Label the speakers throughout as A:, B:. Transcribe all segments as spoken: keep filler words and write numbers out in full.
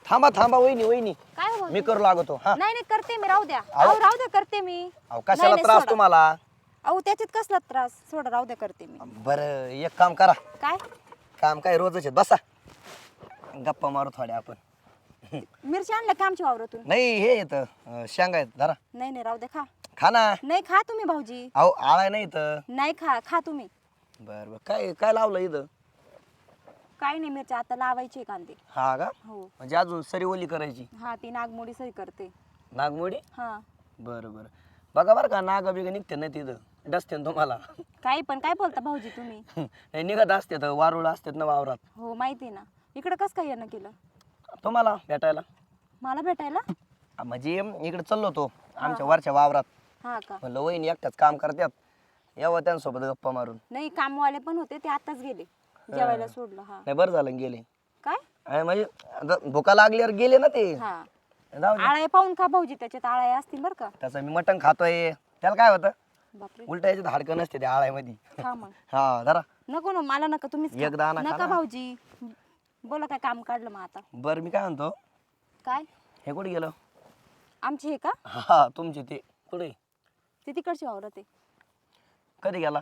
A: थांबा थांबा वहिनी वहिनी
B: काय हो
A: मी करू लागतो हा
B: नाही नाही करते मी राहू द्या
A: अहो.
B: अहो राहू द्या करते मी
A: अहो कशाला
B: नाही,
A: त्रास
B: सोडा.
A: तुम्हाला
B: अहो त्याच्यात कसला त्रास सोडा राहू द्या करते मी
A: बरं एक काम करा
B: काय
A: काम काय रोजच आहे बसा गप्पा मारू थोड्या आपण
B: मिरची आणल्या का आमच्या वावरातून
A: नाही हे येत शेंगा आहेत जरा
B: नाही नाही राहू द्या खा
A: खा ना
B: नाही खा तुम्ही भाऊजी
A: अहो आळाय नाही इथं
B: नाही खा खा तुम्ही
A: बर बर काय काय लावलं इथं
B: काय नाही मिरची आता लावायची कांदे
A: हा का
B: हो
A: म्हणजे अजून सरी ओली करायची
B: हा ती नागमोडी सही करते
A: नागमोडी
B: हा
A: बरं बरं बघा बरं का नाग बिग निघते नाही तिथं डसते ना तुम्हाला
B: काही पण काय बोलता भाऊजी तुम्ही
A: नाही निघत असते तर वारुळ असतात ना वावरात
B: हो माहिती ना इकडे कसं काय येणं केलं
A: तुम्हाला भेटायला
B: मला भेटायला
A: आ, म्हणजे इकडे चाललो तो आमच्या वरच्या वावरात
B: हा का
A: म्हणलं वहिनी एकटाच काम करतात यावं त्यांच्यासोबत गप्पा मारून
B: नाही कामवाले पण होते ते आताच गेले जेवायला सोडलं हा
A: नाही बरं झालं गेले
B: काय
A: आणि म्हणजे आता भुका लागल्यावर गेले ना ते
B: हा
A: जाऊ दे.
B: आळाय पाहून खा भाऊजी त्याच्यात आळाय असतील बरं का
A: तसं मी मटण खातोय त्याला काय होतं
B: बापरे
A: उलट याच्यात हाडकं नसते त्या आळ्यामध्ये
B: खा मग
A: हा जरा
B: नको ना मला नका तुम्हीच खा.
A: एक दाणा खा
B: नका
A: ना.
B: भाऊजी बोला काय काम काढलं मग आता
A: बरं मी काय म्हणतो
B: काय
A: हे कुठे गेलं
B: आमचे हे का
A: हा तुमचे ते कुठे
B: ते तिकडचे वावरत आहे
A: कधी गेला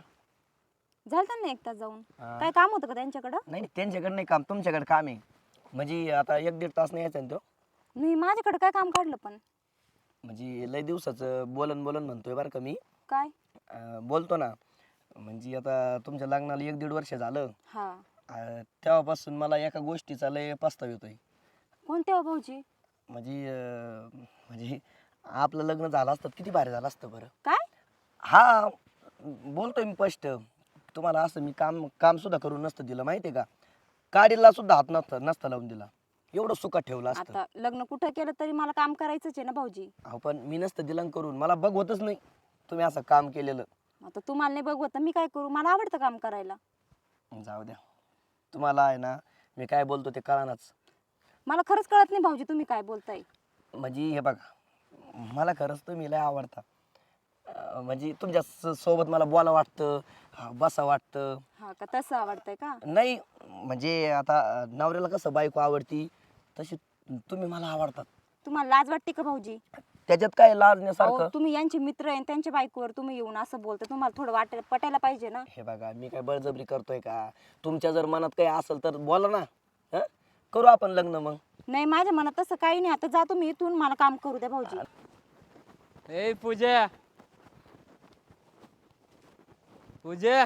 B: झालं ना एक तास जाऊन
A: हा.
B: काय काम होतं का त्यांच्याकडं
A: नाही नाही, त्यांच्याकडे नाही काम तुमच्याकडे काम आहे म्हणजे आता एक दीड तास नाही यायचा ना तो
B: नाही माझ्याकडे काय काम काढलं पण
A: म्हणजे लय दिवसाचं बोलन बोलन म्हणतोय बरं का मी
B: काय
A: अं, बोलतो ना म्हणजे आता तुमच्या लग्नाला एक दीड वर्ष झालं
B: हा
A: अं, तेव्हापासून मला एका गोष्टीचा लय पस्ताव येतोय
B: कोणते हो भाऊजी
A: म्हणजे अं, म्हणजे आपलं लग्न झालं असतं किती भारी झालं असतं बरं
B: काय
A: हा बोलतोय मी स्पष्ट तुम्हाला असं मी काम काम सुद्धा करून नसतं दिलं माहिती आहे का काडीला सुद्धा हात नसतं नसतं लावून दिला एवढं सुखात ठेवलं असतं
B: आता लग्न कुठं केलं तरी मला काम करायचंच आहे ना भाऊजी
A: अहो पण मी नसतं दिलं करून मला बघ होतच नाही तुम्ही असं काम केलेलं
B: आता तुम्हाला नाही बघवत तर मी काय करू मला आवडतं काम करायला
A: जाऊ द्या तुम्हाला आहे ना मी काय बोलतो ते कळानाच
B: मला खरंच कळत नाही भाऊजी तुम्ही काय बोलताय
A: म्हणजे हे बघा मला खरंच तुम्ही लय आवडता अं, म्हणजे तुमच्या स- सोबत मला बोला वाटतं अं, बसा वाटतं
B: हा का तसं आवडतंय का
A: नाही म्हणजे आता अं, नवऱ्याला कसं बायको आवडती तशी तुम्ही मला आवडतात
B: तुम्हाला लाज वाटते का भाऊजी
A: त्याच्यात काय
B: अहो,
A: लाजण्यासारखं
B: तुम्ही यांचे मित्र आहे त्यांच्या बायकोवर तुम्ही येऊन असं बोलता तुम्हाला थोडं वाट पटायला पाहिजे ना
A: हे बघा मी काय बळजबरी करतोय का तुमच्या जर मनात काही असेल तर बोला ना हं? करू आपण लग्न मग
B: नाही माझ्या मनात तसं काही नाही आता जा तुम्ही इथून मला काम करू द्या भाऊजी
C: ए पूजा पूजा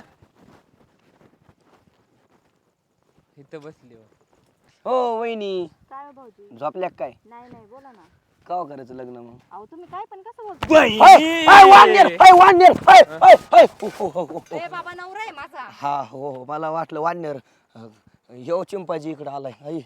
C: इथं बसली हो.
A: हो वहिनी
B: काय हो भाऊजी
A: झोपल्या काय
B: नाही नाही बोला ना
A: का करायचं लग्न मग
B: अहो तुम्ही काय पण कसं बोलता
C: बाई!
A: हाय, हाय, वानर, हाय, वानर, हाय, हाय, हाय. हो, हो, हो, हो.
B: ए बाबा नवरा आहे माझा
A: हा हो हो मला वाटलं वानर ह्यो चिंपाजी इकडे आलाय आई.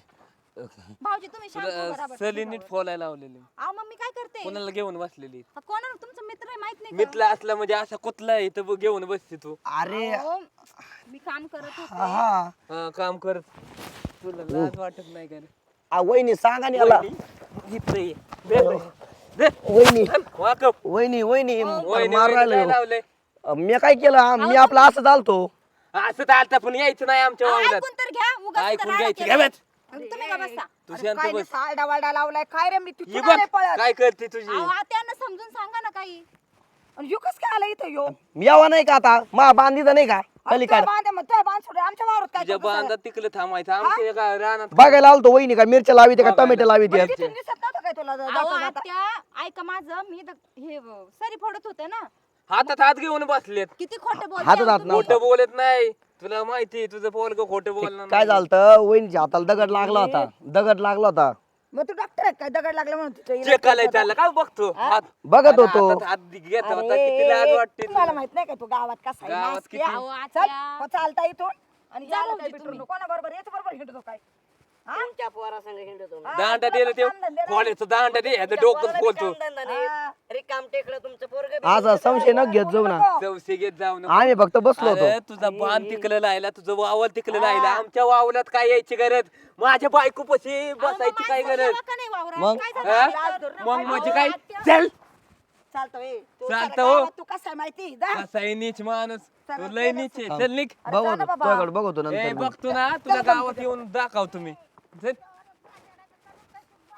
B: भाऊजी तुम्ही शांत उभं राहा
C: तुला
B: बरं.
C: सली नीट फोलायला लावलेली
B: अहो मग मी काय करते
C: कोणाला घेऊन बसलेली
B: कोणाला तुमचा मित्र आहे माहित नाही का?
C: मितला असला म्हणजे असा कुतला आहे इथं घेऊन बसते तू
A: अरे
B: अहो, मी काम करत
A: हा
B: होते
A: हा
C: हा, काम कर तुला लाज वाटत नाही का रे?
A: आ, वहिनी सांगा ना याला
C: इथं ये. दे, दे. दे.
A: वहिनी
C: वाकप.
A: वहिनी वहिनी
C: वहिनी,
A: मारू
C: वहिनी काय
A: राहिलो
C: लावलंय?
A: मी काय केलं आ, मी आपलं असं चालतो
C: असं तर आता पण यायचं नाही आमच्या
B: अहो,
C: वावरात
B: ऐकून तर घ्या उगाच
C: ऐकून
B: राडा
C: घ्यायचं
B: केला.
C: घ्या बस.
B: तुम्ही का बसता
C: तू
D: अरे
C: शांत
D: काय
C: बस
D: सारडा वारडा लावलाय काय रे मी
C: ही
D: तिथून
C: बघ
D: आले पळत
C: काय करते तुझी
B: अहो त्यांना समजून सांगा ना काही
D: आणि यो कस काय आला इथं यो
A: मी यावा नाही का आता मा बांधीचा नाही का पलीकडे
D: बांध मग तुझ्या बांध सोड आमच्या वावरात काय
C: तुझ्या
D: करतो सारं?
C: बांधात तिकडे थांबायचं आमच्या एका रानात
A: बघायला आलतो वहिनी का मिरच्या लावी का
C: बघायला.
A: टोमॅटो लावी
D: म्हणजे तिथून दिसत नव्हतं काय तुला
B: अहो,
D: जाता जाता
B: आत्या ऐका माझं मी द- हे व- सरी फोडत होते ना
C: हातात हात घेऊन बसलेत
B: किती खोटं बोलते
A: हातात
B: अहो
A: हात
B: तुम्ही.
C: खोटं बोलत नाही तुला माहिती तुझं पोरग खोटं बोलणार
A: काय
C: नाही.
A: झालं वहिनीच्या हाताला दगड लागला होता दगड लागला होता
D: मग तू डॉक्टर आहे काय दगड लागला म्हणून तिथं इलाज
C: चेक आलाय
D: करतो
C: त्याला काय बघतो हात
A: बघत होतो
C: हातात हात घेत
D: आता.
C: होता किती लाज
D: अरे,
C: वाटते
D: तुम्हाला
C: तुला.
D: माहित नाही का तू गावात कसा आहे
C: गावात
D: नासकी
C: किती-
D: आहे.
B: अहो,
D: चल
B: आत्या.
D: हो, चालता इथून आणि
B: जा
D: यायला
B: भाऊजी
D: काय भेटू
B: तुम्ही.
D: नको. कोणा बरोबर याच बरोबर हिंडतो काय हा?
E: तुमच्या पोरासंग हिंडतो मी.
D: हा,
C: दांडा
D: तुला
C: दिलं
D: पण
C: ते
D: कामधंदे नाही.
C: खोल्याचं दांडा दे ह्याचं
E: तुमच्या
C: डोकं
E: पोराला बी
C: खोलतो
E: कामधंदा नाही.
D: हा.
E: रिकाम टेकडं तुमचं पोरगं बी
A: आज संशय न घेत जाऊ ना
C: चौसे घेत जाऊ नको.
A: आम्ही फक्त बसलो होतो
C: अरे तुझा बाण तिकलं लायला तुझं वावल तिकलं लायला आमच्या वावलात काय यायची गरज माझ्या बायको पशी
B: अहो, मग
C: बसायची काय
B: माणसं
C: गरज
B: जेवा का नाही वावरात?
A: मग?
B: काय झालं?
C: हा?
D: लाज धरू नका.
C: मग म्हणजे
B: अहो,
C: काय
B: आत्या.
C: चल
D: चालतो ए. तू
C: चालतं
D: सारं
C: हो.
D: गावात तू कसा आहे माहिती जा.
C: कसा आहे नीच माणूस
D: चला,
C: तू लय नीच आहे. चल निघ
D: अरे जा ना
A: बघतो
D: बाबा.
A: तुझ्याकडे बघतो
C: ए
A: नंतर मग.
C: बघतो ना तुला गावात येऊन दाखव तुम्ही चल.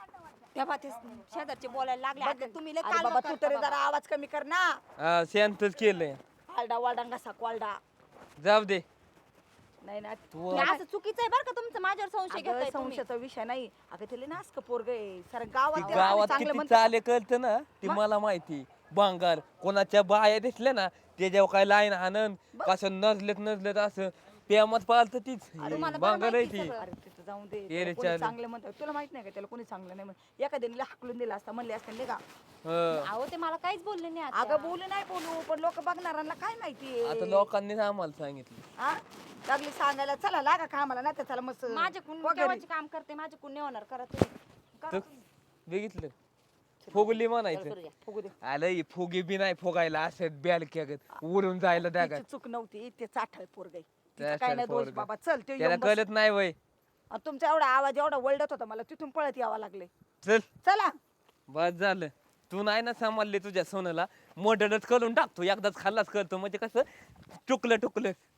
B: त्या बाबा ते शेजारचे बोलायला लागले आता तुम्ही लय
D: अरे
B: कालवा
D: बाबा तू
B: करता
D: तरी
B: बाबा.
D: जरा आवाज कमी कर ना.
C: हा, शांतच केलंय.
D: आलडा वालडा कसा क्वालडा.
C: जाऊ दे.
D: नाही ना
C: तू
B: हे असं चुकीचं आहे बरं का तुमचं माझ्यावर संशय
D: अगं,
B: घेताय तुम्ही.
D: संशयाचा विषय नाही. अगं तिला नासक पोरग आहे सारं
C: ती
D: गावात त्याला
C: गावात
D: आम्ही चांगलं
C: किती
D: म्हणतो.
C: चाले कळतं ना ती मला माहिती. बांगार कोणाच्या बाया दिसल्या ना त्याच्यावर काय लाईन आनंद कसं नजलेत नजलेत असं प्रेमात पाळत तीच
B: तुम्हाला बरं
C: बांगार आहे
B: माहिती
C: ती.
B: सगळं.
D: अरे तिथं जाऊन दे
C: ये
D: त्याला
C: रे
D: कोणी
C: चालेल.
D: चांगलं म्हणतं तुला माहित नाही का त्याला कोणी चांगलं नाही म्हणत एखाद्याने हाकलून दिला असता म्हणले असते नाही का.
C: हं.
B: अहो ते मला काहीच बोलले नाही
D: अगं
B: आता.
D: बोलू नाही बोलू पण लोक बघणाऱ्यांना काय माहिती
C: आता लोकांनीच आम्हाला सांगितलं.
D: हा लागली सांगायला चला लागा कामाला नाही तर चला मस्त
B: माझ्याकडून
D: हो घरी.
B: केव्हाचे काम करते माझ्याकडून नाही होणार करा तुम्ही. करा
C: तर
B: तुम्ही.
C: बघितलं फुगली म्हणायचं.
D: फुगू दे.
C: आलं ही फुगी बी नाही फुगायला असं बॅल केगत उडून जायला द्या
D: तिची चूक नव्हती ते चाठळ पोरग
C: चाठळ
D: काय नाही दोष
C: पोरगं.
D: बाबा चल ते
C: त्याला
D: येऊन बस.
C: कळत नाही वय.
D: आणि तुमचा एवढा आवाज एवढा वळडत होता मला तिथून पळत यावं लागले
C: चल
D: चला
C: बस झालं. तू नाही ना सांभाळले तुझ्या सोनाला मोडलच करून टाकतो एकदाच खाल्लाच करतो म्हणजे कसं टुकलं टुकलं